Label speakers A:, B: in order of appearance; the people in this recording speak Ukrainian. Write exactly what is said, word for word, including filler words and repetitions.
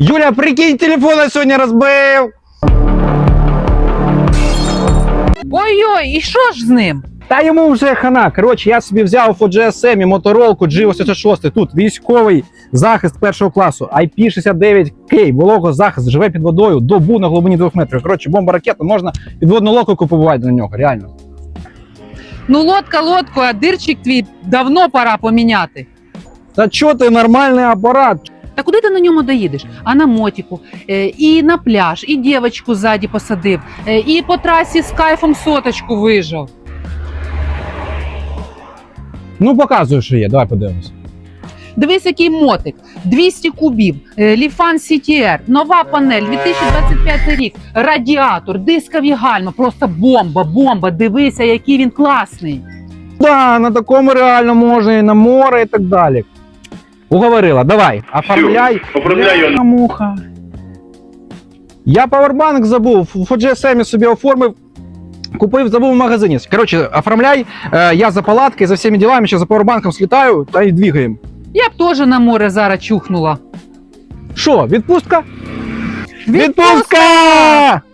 A: Юля, прикинь, телефон я сьогодні розбив.
B: Ой-ой, і що ж з ним?
A: Та йому вже хана. Коротше, я собі взяв по джі ес ем і моторолку джі вісімдесят шість. Тут військовий захист першого класу. ай пі шістдесят дев'ять кей, вологозахист, живе під водою, добу на глибині двох метрів. Коротше, бомба ракета, можна підводну лодку побувати на нього, реально.
B: Ну лодка лодку, а дирчик твій давно пора поміняти.
A: Та чо ти, нормальний апарат?
B: Та куди ти на ньому доїдеш? А на мотику, е, і на пляж, і дівочку ззаді посадив, е, і по трасі з кайфом соточку вижав.
A: Ну, показуй, що є, давай подивимось.
B: Дивись, який мотик, двісті кубів, е, Ліфан сі ті ар, нова панель, дві тисячі двадцять п'ятий рік, радіатор, дискові гальма, просто бомба, бомба, дивися, який він класний.
A: Да, на такому реально можна і на море, і так далі. Уговорила, давай, оформляй.
C: Оформляй його.
A: Муха. Я павербанк забув, в джі ес ем собі оформив, купив, забув в магазині. Коротше, оформляй, е, я за палаткою, за всіми ділами, ще за павербанком слітаю та й двигаємо.
B: Я б теж на море зараз чухнула.
A: Що, відпустка?
B: Відпустка!
A: Відпустка!